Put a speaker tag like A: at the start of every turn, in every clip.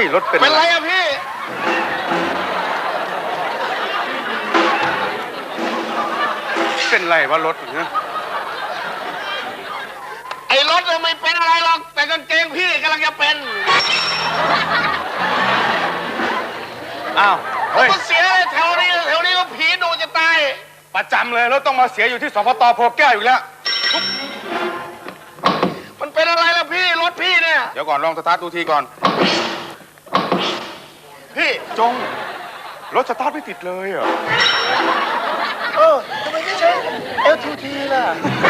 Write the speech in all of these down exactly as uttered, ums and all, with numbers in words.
A: รถเป็น
B: เป็นไรอะพี่
A: เป็นไรวะรถเนี่ย
B: ไอ้รถไม่เป็นอะไรหรอกแต่กางเกงพี่กำลังจะเป็น
A: อ้าว
B: ผมก็เสียแถวนี้แถวนี้ก็ผีดุจะตาย
A: ประจำเลยรถต้องมาเสียอยู่ที่สพต.โพแก้วอยู่แล้ว
B: มันเป็นอะไรล่ะพี่รถพี่เนี่ย
A: เดี๋ยวก่อนลองสตาร์ทดูทีก่อน
B: พี่
A: จงรถสตาร์ทไม่ติดเลยเหรอ
B: เออทำไมไม่ใช่ เอล ที ที ล่ะ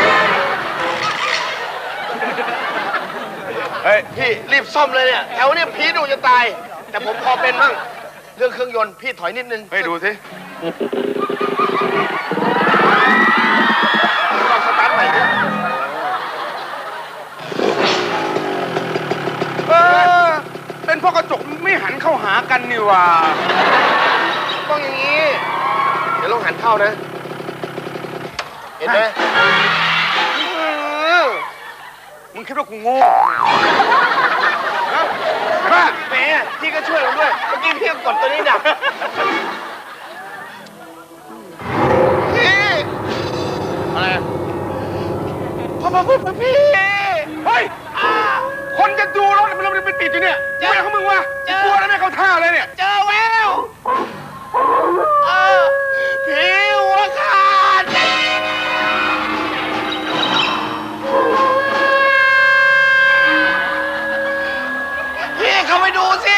B: เฮ้ยพี่รีบซ่อมเลยเนี่ยแถวนี้ผีดุจะตายแต่ผมพอเป็นมั่งเรื่องเครื่องยนต์พี่ถอยนิดนึง
A: ให้ดูสิ
B: ลองสตาร์ทใหม่ดิ
A: เออเป็นเพราะกระจกไม่หันเข้าหากันนี่ว่า
B: ต้องอย่างนี้เดี๋ยวลองหันเข้านะเห็นไหม
A: มึงคิดว่ากูโง่
B: ฮะแหมพี่ก็ช่วยผมด้วยเมื่อกี้พี่กดตัวนี้ดับพี่
A: อะไร
B: พ่อพ่อพ่อพี่
A: เฮ้ยคนจะดูรถมันเราไปติดอยู่เนี่ยไม่เขามึงวะกลัวแล้วไม่เข้าท่าเลยเนี่ย
B: เจอแววพี่หัวขาดพี่เข้าไปดูสิ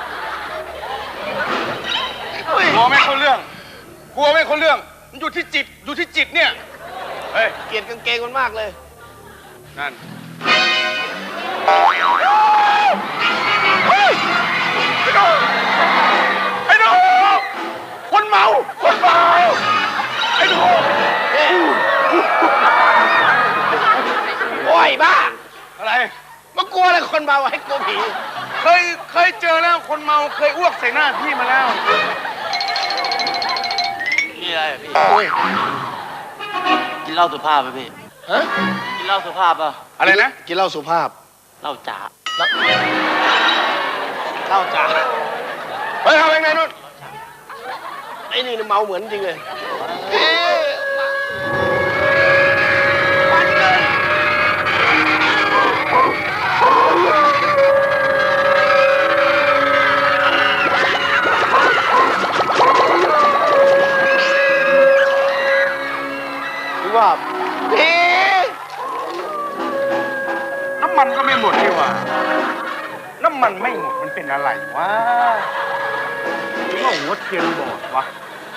A: กลัวไม่เข้าเรื่องกลัวไม่เข้าเรื่องมันอยู่ที่จิตอยู่ที่จิตเนี่ย
B: เฮ้ยเกลียดกางเกงมันมากเลย
A: นั่นไอ้หนูไอ้หนูคนเมาคนเมาไอ้หนู
B: โอ้ยบ้า
A: อะไร
B: มากลัวอะไรคนเมาให้กลัวผี
A: เคยเคยเจอแล้วคนเมาเคยอ้วกใส่หน้าพี่มาแล้ว
C: นี่อะไรพี่กินเหล้าสุภาพไหมพี่
B: ฮะ
C: กินเหล้าสุภาพป่ะ
A: อะไรนะ
B: กินเหล้าสุภาพ
C: เหล้าจ๋า
B: เหล้าจ๋าเฮ้ยทำยังไงนู่นไอ้นี่เมาเหมือนจริงเลยว่าพี่
A: น้ำมันก็ไม่หมดนี่วะน้ำมันไม่หมดมันเป็นอะไรวะหรือว่าหัวเทียนบอดวะ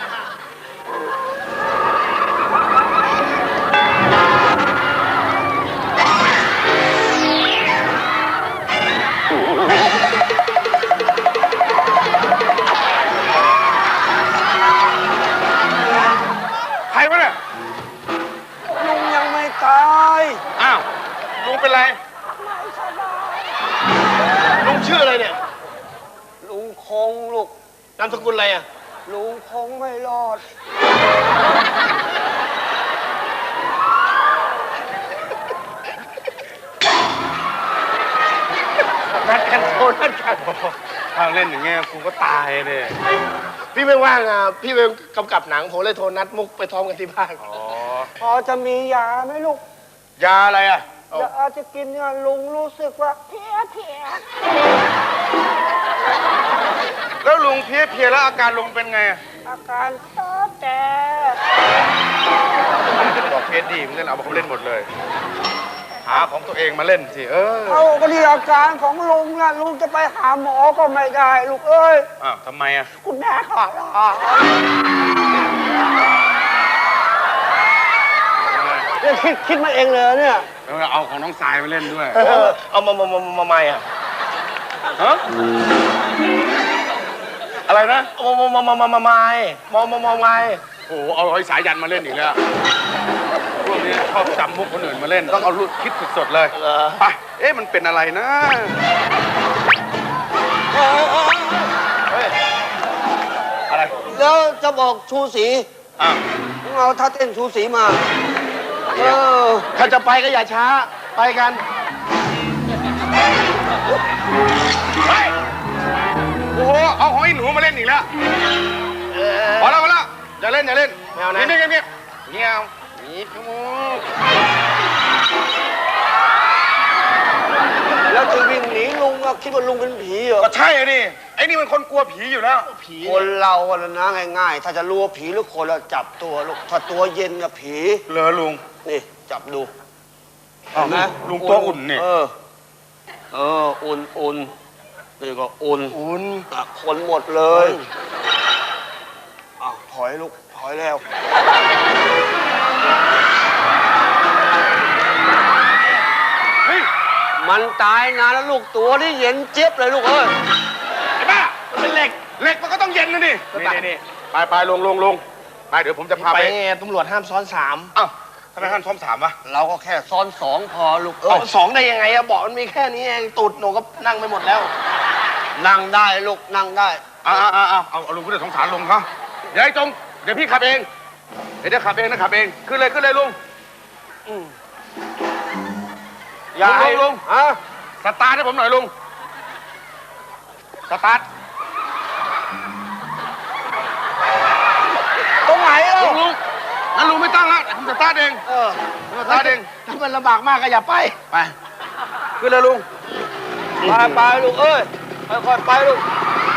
A: ใครวะเนี่ย
B: ลุงยังไม่ตาย
A: อ้าวลุงเป็นไร
B: ลุงชื่ออะไรเนี่ย
C: ลุงคงลูก
B: นามสกุลอะไรอ่ะ
C: ลุงคงไม่รอด
B: นัดกันโทรนัดกัน
A: ถ้าเล่นอย่างเงี้ยกูก็ตายเลย
B: พี่ไม่ว่างอ่ะพี่ไปกำกับหนังผมเลยโทรนัดมุกไปท้องกันที่บ้าน
A: อ๋อ
C: พอจะมียาไหมลูก
A: ยาอะไรอ่ะ
C: ยาจะกินเนี่ยลุงรู้สึกว่าเพี้ยเพี้ย
A: แล้วลุงเพี้ยเพี้ยแล้วอาการลุงเป็นไง
C: อาการเท้อแต่
A: บอกเพี้ยดีมึงเล่นเอาเขาเล่นหมดเลยหาของตัวเองมาเล่นสิเออ
C: เอาก็ดีอาการของลุงนะลุงจะไปหาหมอก็ไม่ได้ลูกเอ้ย
A: อ้าวทำไมอ่ะ
C: คุณแม่ขอร้องเนี่ยคิดคิดมาเองเลยเนี่ย
A: เออเอาของน้องสายมาเล่นด้วย
B: เอามามามามาไม่อ่ะ
A: ฮะอะไรนะ
B: มามามามามาไม่มามามาไม่
A: โอ้โหเอาไอ้สายยันมาเล่นอีกแล้วพวกนี้ชอบจำพวกคนอื่นมาเล่นต้องเอาลูกคิดสดๆเลยไปเอ๊ะมันเป็นอะไรนะอะไร
C: แล้วจะบอกชูศรี
A: อ่ะ
C: เอาท่าเต้นชูศรีมาเออ
B: ถ้าจะไปก็อย่าช้าไปกัน
A: ไปโอ้โหเอาของไอ้หนูมาเล่นอีกแล้ว
B: เออ
A: พอแล้วพอแล้วอย่าเล่นอย่าเล่น
B: ไม่เอานะ
A: เงียบเงียบเงียบเงียบขโมย
C: แล้วจะวิ่งหนีลุงอะคิดว่าลุงเป็นผีเหรอ
A: ก็ใช่อะดิไอ้นี่มันคนกลัวผีอยู่แล้ว
B: ผี
C: คนเราอะนะง่ายๆ ถ้าจะรู้ว่าผีหรือคนเราจับตัวลูกถ้าตัวเย็นกับผี
A: เหรอลุง
C: นี่จับดู
A: อ้าว
C: เห็นไหม
A: ลุงตัวอุ่นนี่
C: เออ เออ อุ่นอุ่นนี่ก็อุ่น
B: อุ่น
C: อ่ะคนหมดเลยอ้าวถอยลูกถอยแล้ว
A: เฮ้ย
C: มันตายนานแล้วลูกตัวนี่เย็นเจี๊ยบเลยลูกเอ้ย
A: ไอ้บ้า
B: มันเป็นเหล็ก
A: เหล็กมันก็ต้องเย็นนะดิ
B: ไป
A: นี่นี่ไปไปลงลงลงไปเดี๋ยวผมจะพา
B: ไป
A: ไป
B: ไงตำรวจห้ามซ้อนสาม
A: อ้าวทำไมท่านซ้อมสามวะ
C: เราก็แค่ซ้อนสองพอลูก
B: เออสองได้ยังไงอะเบอกมันมีแค่นี้เองตูดหนูก็นั่งไปหมดแล้ว
C: นั่งได้ลูกนั่งได้
A: อ่าอ่าอ่าเอาเอาลุงก็เลยสงสารลุงเขาเดี๋ยวไอ้จงเดี๋ยวพี่ขับเองเดี๋ยวเดี๋ยวขับเองนะขับเองขึ้นเลยขึ้นเลยลุง
C: อย่าให้
A: ลุงลุง
C: ฮะ
A: สตาร์ทให้ผมหน่อยลุงสตาร์ท
C: ตรงไหนเล่า
A: ลุงลุงงั้นลุงไม่ตั้งแล้วผมสตาร์ทเอง
B: เออ
A: ผมสตาร์ทเอง
B: ถ้ามันลำบากมากก็อย่าไป
A: ไปขึ้นเลยลุง
C: ไปไปลูกเอ้ยค่อยๆไปลูก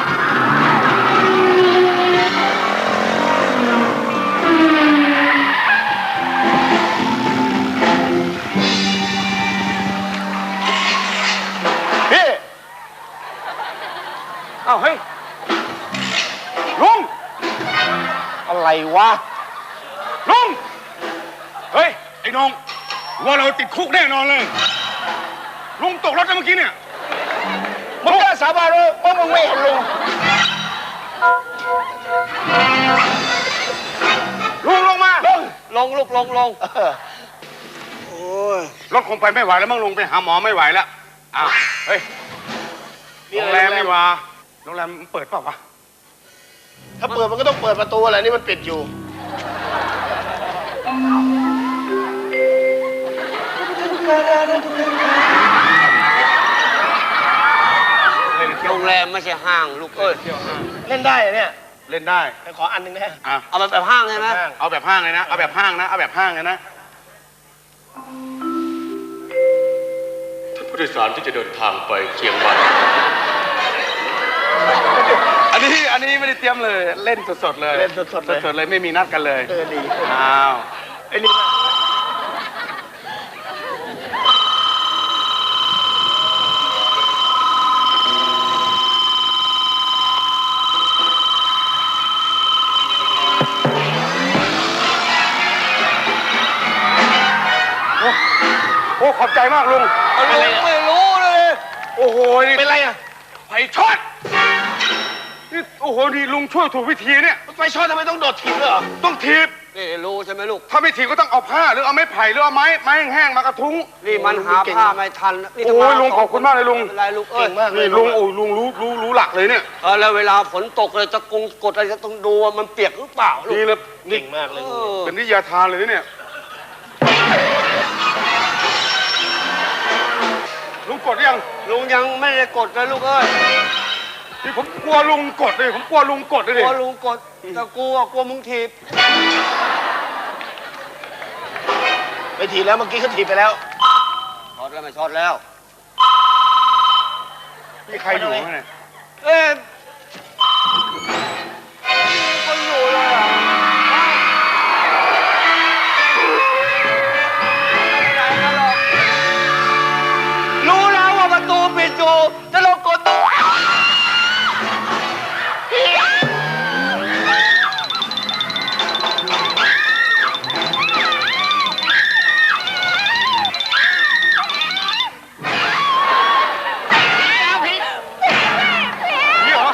A: พี่เอ้าเฮ้ยลุง
B: อะไรวะ
A: ลุงเฮ้ยไอ้น้องว่าเราติดคุกแน่นอนเลยลุงตกรถแล้วเมื่อกี้เนี่ย
B: มึงกล้าสาบานเลยว่ามึงไม่เห็นลุง
A: ลุงลงมา
B: ลุง
C: ลงลูกลงลง
B: เออ
C: โอ้ย
A: รถคงไปไม่ไหวแล้วมั้งลุงไปหาหมอไม่ไหวแล้วอ้าวเฮ้ยโรงแรมนี่หว่าโรงแรมมันเปิดเปล่าวะ
B: ถ้าเปิดมันก็ต้องเปิดประตูอะไรนี่มันปิดอยู่
C: โรงแรมไม่ใช่ห้างลูกเอ้ย
B: เล่นได้เหรอเนี่ย
A: เล่นได้
B: ไปขออันหนึ่งนะ
A: อ่ะ
C: เอาแบบแบบห้างใช่ไหม
B: ห้าง
A: เอาแบบห้างเลยนะเอาแบบห้างนะเอาแบบห้างเลยนะ
D: ท่านผู้โดยสารที่จะเดินทางไปเชียงใหม่
A: อันนี้อันนี้ไม่ได้เตรียมเลยเล่นสดๆเลย
B: เล่นสดๆเลย
A: สดๆเลยไม่มีนัดกันเลย
B: เออดี
A: อ้าว
B: ไอ้นี่
A: โอ้ขอบใจมากลุง
C: เอาลุงไม่รู้เลย
A: โอ้โหนี่
B: เป็นไรอะ
A: ไฟช็อตนี่โอ้โหนี่ลุงช่วยถูกวิธีเนี่ย
B: ไฟช็อตทำไมต้องโดดถีบด้วยเหรอ
A: ต้องถีบ
C: นี่รู้ใช่ไหมลูก
A: ถ้าไม่ถีบก็ต้องเอาผ้าหรือเอาไม้ไผ่หรือเอาไม้ไม้แห้งๆมากระทุ้ง
C: นี่มันหาผ้าไม่ทันนี่
A: โอ้ยลุงขอบคุณมากเลยลุง
C: ไม่เป็นไรลูกเอ้
B: เก่
C: ย
B: งมากเลย
A: นี่ลุงโอ้ยลุงรู้รู้รู้หลักเลยเนี่ย
C: เออแล้วเวลาฝนตกเลยจะกงกดอะไรจะต้องดูว่ามันเปียกหรือเปล่าลูก
A: นี่เลย
B: เก่งมากเลย
C: เอ
B: ลุง
C: อ
A: เป็นวิทยาทานเลยนะเนี่ยลุงกดหรือยัง
C: ลุงยังไม่ได้กดเลยลูกเอ้ย
A: นี่ผมกลัวลุงกดเลยผมกลัวลุงกดเลย
C: ก
A: ดิ
C: ลัวลุงกดแต่กลัวกลัวมึงถีบ
B: ไปถีบแล้วเมื่อกี้เขาถีบไปแล้ว
C: ช็อตแล้วไม่ช็อตแล้ว
A: มีใครอยู่ไหมเนี่ย
C: เอ๊ะคนอยู่เลยอ่ะไหนกันหรอกรู้แล้วว่าประตูปิดอยู่จะลงกดตัว
A: นี่เหรอ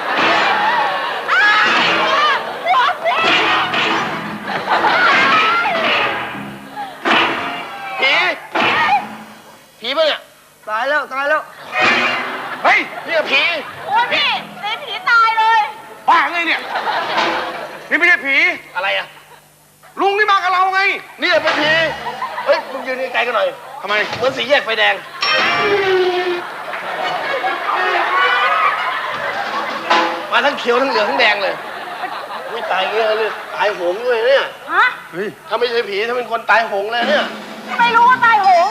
B: ผี ผีปะเนี่ย
C: ตายแล้วตายแล้ว
A: เฮ้ย
B: เนี่ยผี
E: โอ้ยพี่ในผีตายเลย
A: บ้าไงเนี่ยนี่ไม่ใช่ผี
B: อะไรอะ
A: ลุงนี่มากับเราไง
B: นี่เป็นผี เฮ้ย มึงยืนไกลๆกันหน่อย
A: ทำไม
B: เหมือนสีแยกไฟแดงมาทั้งเขียวทั้งเหลืองทั้งแดงเลยไม่ตายเงี้ยเลยตายโหงด้วยเนี่ย
E: ฮะ
A: เฮ้ย
B: ถ้าไม่ใช่ผีถ้าเป็นคนตายโหงเลยเนี่ย
E: ไม่รู้ว่าตายโหง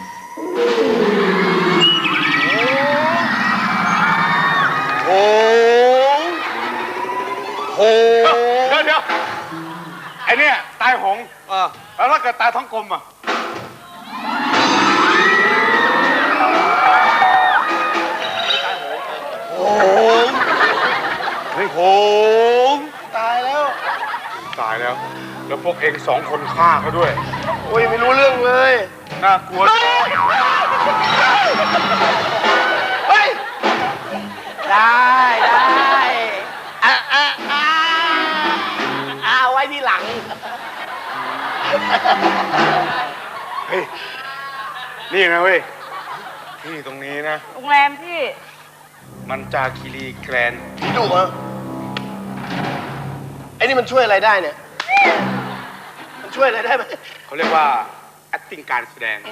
B: โหงโหง
A: เดี๋ยวเดี๋ยวไอเนี่ยตายหง
B: เออ
A: แล้วถ้าเกิดตายท้องกลมอ่ะ
B: โหง
A: เฮ้ย
B: โหงตายแล้ว
A: ตายแล้ว แล้วพวกเองสองคนฆ่าเขาด้วย
B: โอ้ยไม่รู้เรื่องเลย
A: น่ากลัว
B: เฮ้ยได้ได้อ่ะอ่ะอ่ะอ่ะไว้ที่หลัง
A: เฮ้ย นี่นะเว้ย ที่ตรงนี้นะ
E: โรงแรมพี่
A: มันจาคีรีแกรนด์
B: ผีดุเหรอไอ้นี่มันช่วยอะไรได้เนี่ย มันช่วยอะไรได้ไหม
A: เขาเรียกว่า acting การแสดง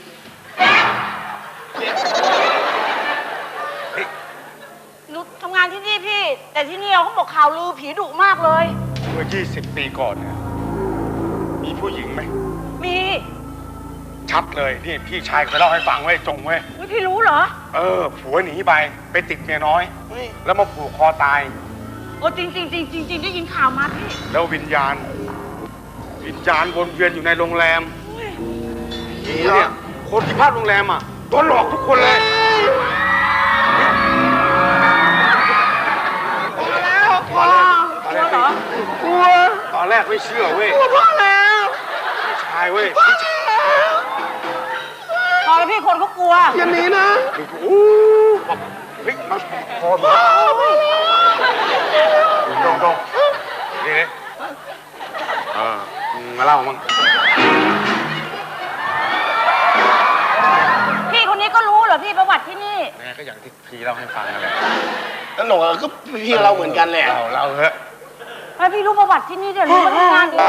E: หนูทำงานที่นี่พี่ แต่ที่นี่เขาบอกข่าวลือผีดุมากเลย
A: เมื่อยี่สิบปีก่อนเนี่ยมีผู้หญิงไหม
E: มี
A: ชัดเลย นี่พี่ชายเคยเล่าให้ฟังเว้ยจงเว้ย
E: อุ๊ยพี่รู้เหรอ
A: เออ ผัวหนีไป ไปติดเมียน้อย
B: เฮ้ย
A: แล้วมาผูกคอตาย
E: โอ้จริงจริงจริงจริงจริงได้ยินข่าวมาพี่
A: แล้ววิญญาณ วิญญาณวนเวียนอยู่ในโรงแรม
E: อุ๊ย
A: เนี่ยคนที่พักโรงแรมอ่ะโดนหลอกทุกคนเลย
E: แล้วพ่อกลัวเหรอก
A: ลัวตอนแรกไม่เชื่อเว้ย
E: กลัวพ่อแล้ว
A: พี่ชายเว้ยพี่ชาย
E: พอแล้วพี่คนเขากลัว
B: อย่าหนีนะ
A: อู้บอกเฮ้ยมาพอมาดงดงนี่เลยเออมึงมาเล่ามั้ง
E: พี่คนนี้ก็รู้เหรอพี่ประวัติที่นี่
A: แม่ก็อย่างที่พี่เล่าให้ฟังนั่นแหละ
B: นั่นหนูก็พี่เราเหมือนกันแหละ
A: เล่าเล่าเถอะ
E: แล้วพี่รู้ประวัติที่นี่เดี๋ยวรู้มาทำงานดี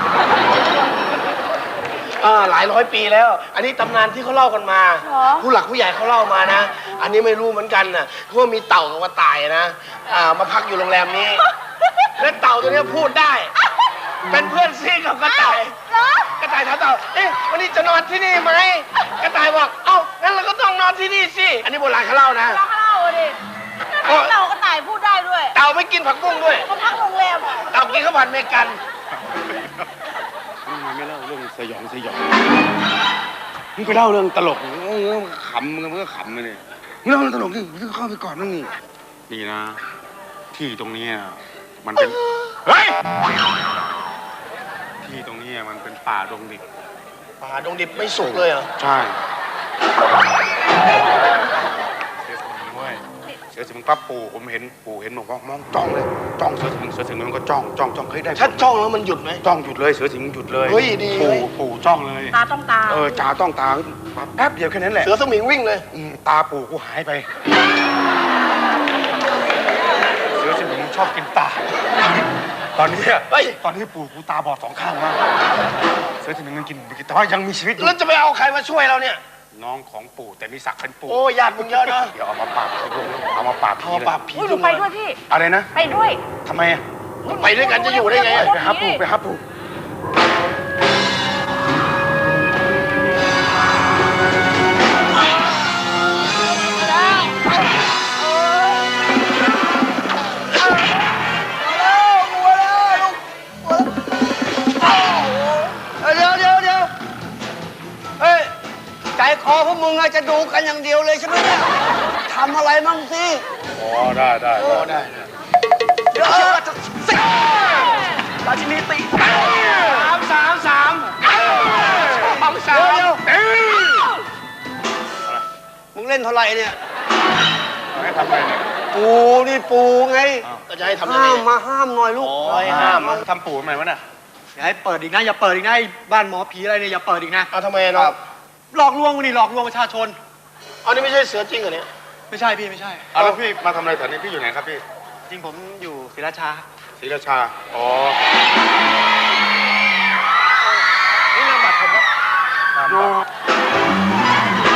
B: อ่าหลายร้อยปีแล้ว อันนี้ตำนานที่เขาเล่ากันมา
E: เหรอ
B: ผู้หลักผู้ใหญ่เขาเล่ามานะ อันนี้ไม่รู้เหมือนกันนะเพราะว่ามีเต่ากับกระต่ายนะอ่ามาพักอยู่โรงแรมนี้ และเต่าตัวเนี้ยพูดได้ เป็นเพื่อนซีกับกระต่าย
E: เหรอก
B: ระต่ายถามเต่า เอ๊ะวันนี้จะนอนที่นี่ไหม กระต่ายบอก เอ้า งั้นเราก็ต้องนอนที่นี่สิ อันนี้โบราณเขาเล่านะ
E: เราเล่าอะดิเราก็ตายพูดได้ด้วย
B: เต่าไม่กินผักบุ้งด้วย
E: มาพักโรงแรมอะ
B: เต่ากินข้าวผัดเมกัน
A: มึงไม่เล่าเรื่องสยองสยองมึงไปเล่าเรื่องตลกมึงก็ขำมึงก็ขำไปเลยมึงเล่าเรื่องตลกนี่มึงเข้าไปก่อนนั่งนี่นี่นะ ที่ตรงนี้มันเป็นเฮ้ยที่ตรงนี้มันเป็นป่าดงดิบ
B: ป่าดงดิบไม่สุกเลยเหรอ
A: ใช่เสือสมิงเว้ยเสือสมิงปั๊บปู่ผมเห็นปู่เห็นบอกว่ามองจ้องเลยจ้องเสือสมิงเสือสมิงมันก็จ้องจ้องจ้องเฮ้ยได้ผล
B: ถ้าจ้องแล้วมันหยุดไหม
A: จ้องหยุดเลยเสือสมิงหยุดเลย
B: เฮ้ยดีเว้
A: ปู่
B: ย
A: ปู่จ้องเลย
E: ตาต้องตา
A: เออจ่าต้องตาแป๊บเดียวแค่นั้นแหละ
B: เสือสมิงวิ่งเลย
A: อืมตาปู่กูหายไป เสือสมิงชอบกินตา ตอนนี้อะ
B: เฮ้ย
A: ตอนนี้ปู่กูตาบอดสองข้างมากเสือสมิงมันกินแต่ว่ายังมีชีวิตอยู่
B: แล้วจะไปเอาใครมาช่วยเราเนี่ย
A: น้องของปู่แต่มีศักดิ์เป็นปู่
B: โอ้ญาติมึงเยอะนะ
A: เดี๋ยวเอามาปราบเอามาปราบ
B: พ
A: ผี
B: อ
A: เลย
B: ปราบผี
E: อุ้ยหนูไปด้วยพี่
A: อะไรนะ
E: ไปด้วย
A: ทำไมอะ
B: ไปด้วยกันจะอยู่ได้ไง
A: ไปไปหาปู่ไปหาปู่
C: เดี๋ยวเดี๋ยวเดี๋ยวเฮ้ย ใจคอพวกมึงอะจะดูกันอย่างเดียวเลยใช่ไหมเนี่ยทำอะไรมั่งสิ
A: อ๋อได้ได้
B: โอ้ได้
C: เดี๋ยวราชินีตี
B: สามสามสามสองสาม
C: เดี๋ยว
A: เอ้ย
C: มึงเล่นเท่าไหร่เนี่ย
A: ไม่ทำอะไรเนี่ย
C: ปูนี่ปูไง
B: ก็จะให้ทำยัง
C: ห้า
B: ไง
C: มมาห้ามหน่อยลูก
B: โอ้ยห้ามอะ
A: ทำปู่ทำไมวะเนี่ย
F: อย่าให้เปิดอีกนะอย่าเปิดอีกนะไอ้บ้านหมอผีอะไรเนี่ยอย่าเปิดอีกนะ
B: เอาทำไมอะน้อง
F: หลอกลวงนี่หลอกลวงประชาชน
B: เอานี่ไม่ใช่เสือจริงเหรอเนี่ย
F: ไม่ใช่พี่ไม่ใช่
A: เอาแล้วพี่มาทำอะไรแถวนี้พี่อยู่ไหนครับพี่
F: จริงผมอยู่ศรีราชา
A: ศรีราชา อ๋อ
F: นี่นามบัตรผมครับ
A: ตามบัตร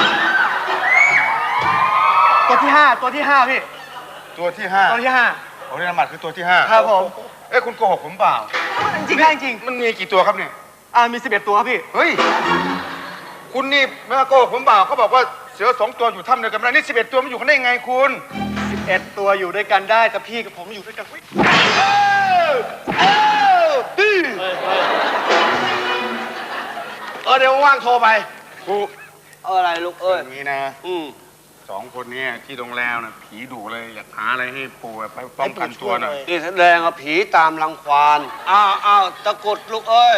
F: ตัวที่ห้าตัวที่ห้าพี่
A: ตัวที่ห้า
F: ตัวที่ห้า
A: อ้นี่น้ำมันคือตัวที่ห้า
F: ครับผม
A: เอ้ยคุณโกหกผมเปล่า
F: จริงได้จริง
A: มันมีกี่ตัวครับเนี่ย
F: อ่ามีสิบเอ็ดตัวครับพี่
A: เฮ้ย คุณนี่ไม่ว่าโกหกผมเปล่าเขาบอกว่าเสือสองตัวอยู่ถ้ำเดียวกันไม่ได้นี่สิบเอ็ดตัวมันอยู่กันได้ยังไงคุณ
F: สิบเอ็ดตัวอยู่ด้วยกันได้แต่พี่กับผมอยู่ด้วยกันอุ๊ย
B: เออเดี๋ยวว่างๆโทรไป
A: กู
C: เอาอะไรลูกเอ้ย
A: อย่างนี้นะ
C: อืม
A: สองคนเนี้ที่โรงแรมนะผีดุเลยอยากหาอะไรให้ปู่ไปป้องกันตัวหน่อย
C: นี่แสดงว่าผีตามรังควานอ้าวอ้าวตะกรุดลูกเอ้ย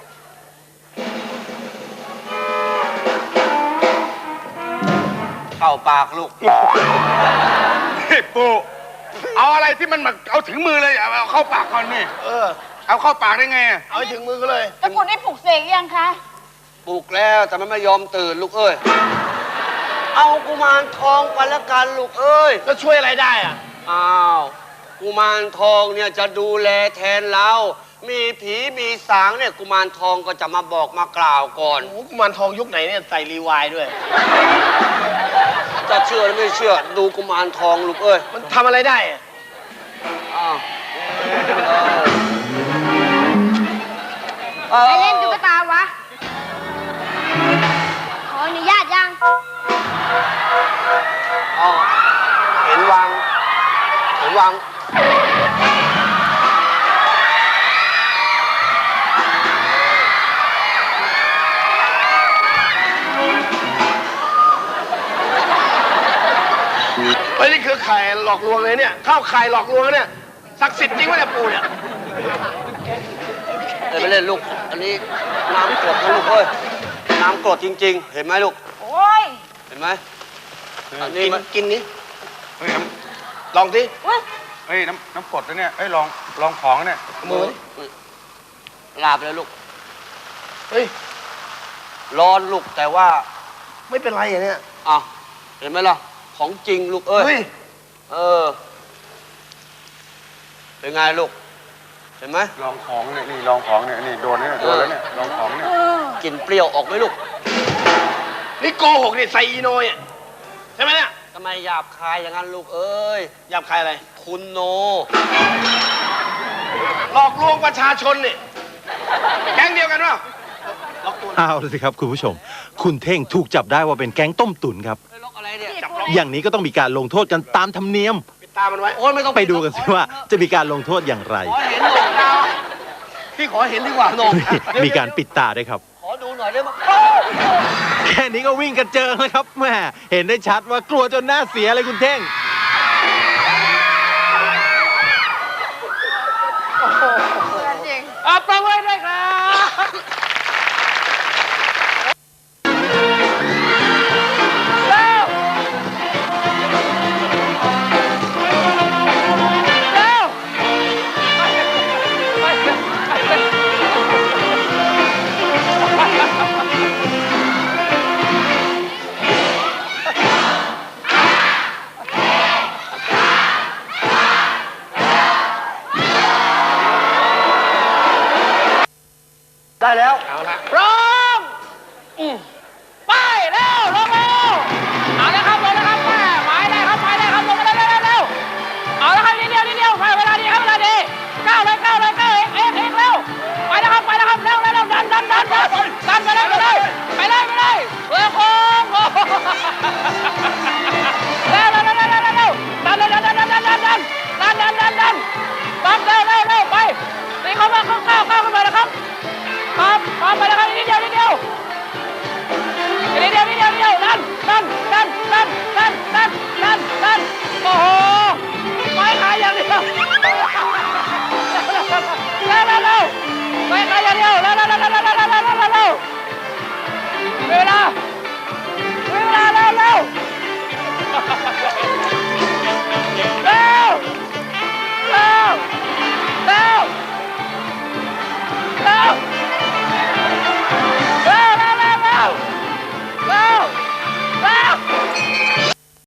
C: เข้าปากลูก
A: นี่ปู่เอาอะไรที่มันแบบเอาถึงมือเลยเอาเอาเข้าปากก่อนนี่
B: เออ
A: เอาเข้าปากได้ไงอะ
B: เอาให้ถึงมือก็เลย
E: ตะกรุดนี่ปลุกเสกยังคะ
C: ปลุกแล้วแต่มันไม่ยอมตื่นลูกเอ้ย เอากุมารทองไปละกันลูกเอ้ย
B: แล้วช่วยอะไรได้อ่ะ
C: อ้าวกุมารทองเนี่ยจะดูแลแทนเรา มีผีมีสางเนี่ยกุมารทองก็จะมาบอกมากล่าวก่อน
B: โอ้โหกุมารทองยุคไหนเนี่ยใส่รีวายด้วย
C: จะเชื่อหรือไม่เชื่อดูกุมารทองลูกเอ้ย
B: มันทำอะไรได้อะ
C: อ้าว
G: ใครเล่นตุ๊กตาวะ ขออนุญาตยัง
C: อ้าวเห็นวางเห็นวาง
B: เฮ้ยนี่คือไข่หลอกลวงเลยเนี่ยเข้าไข่หลอกลวงเนี่ยศักดิ์สิทธิ์จริงไหมเนี่ยปู่เนี่ย
C: เดี๋ยวไปเล่นลูก อันนี้น้ำกรดนะลูกเอ้ย น้ำกรดจริง ๆ เห็นไหมลูก
E: โอ้ย
C: เห็นไหมอันนี้
B: กิน
C: มัน
B: กินนี้
A: เฮ้ยน้
B: ลองสิ
E: อุ้ย
A: ำเฮ้ยน้ำน้ำกรดนะเนี่ยเฮ้ยลองลองของเนี่ย
B: มือ
C: ลาบเลยลูก
B: เฮ้ย
C: ร้อนลูกแต่ว่า
B: ไม่เป็นไรอ่ะเนี่ย
C: อ้าวเห็นไหมล่ะ ของจริงลูกเอ้ย
B: เฮ้ย
C: เออ เป็นไงลูก เห็นไหม
A: ลองของเนี่ยนี่ลองของเนี่ยนี่โดนเนี่ยโดนแล้วเนี่ยลองของเนี่ย
C: กลิ่นเปรี้ยวออกไหมลูก
B: นี่โกหกเนี่ยใส่อีโนยอ่ะใช่ไหมเนี่ย
C: ทำไมหยาบคายอย่างนั้นลูกเอ้ย
B: หยาบคายอะไร
C: คุณโน
B: หลอกลวงประชาชนเนี่ยแก๊งเดียวกันวะ
H: เอาละสิครับคุณผู้ชม คุณเท่งถูกจับได้ว่าเป็นแก๊งต้มตุ๋นครับ
C: ล็อกอะไรเนี่ย
H: อย่างนี้ก็ต้องมีการลงโทษกันตามธรรมเนียม
B: ปิดตามันไว้
C: โอ้ยไม่ต้อง
H: ไปดูกันสิว่าจะมีการลงโทษอย่างไร
C: ขอเห็นหน่อยดาวพี่ขอเห็นดีกว่าหน่อย
H: มีการปิดตาด้วยครับ
C: ขอดูหน่อยได้ไหม
H: แค่นี้ก็วิ่งกระเจิงแล้วครับแม่เห็นได้ชัดว่ากลัวจนหน้าเสียเลยคุณเท่ง
B: อ่ะปรบมือด้วยครับเร็วเร็ว
C: ได้แล้ว
B: เอาละพร้อมอืมไปเร็วลงเร็วเอาละครับลงนะครับแม่หมายได้ครับหมายได้ครับลงมาเร็วเร็วเร็วเอาละครับนิดเดียวนิดเดียวไปเวลาดีครับเวลาดีก้าวเลยก้าวเลยก้าวเองเองเองเร็วไปนะครับไปนะครับเร็วเร็วเร็วดันดันดันดันดันไปเลยไปเลยไปเลยไปเลยเร็วโค้งโอ้โหเร็วเร็วเร็วเร็วเร็วเร็วดันดันดันดันดันดันดันดันดันดันดันดันดันเร็วเร็วเร็วไปตีเข้ามาเข้าเข้าเข้าขึ้นมานะครับครับครับไปแล้วครับนิดเดียวนิดเดียวนิดเดียวนิดเดียวนิดเดียวดันดันดันดันดันดันดันดันโอ้โหไม่ขายอย่างเดียวเร็วเร็วเร็วไม่ขายอย่างเดียวเร็วเร็วเร็วเร็วเร็วเร็วเร็วเร็วเร็วเวลาเวลาเร็วเร็ว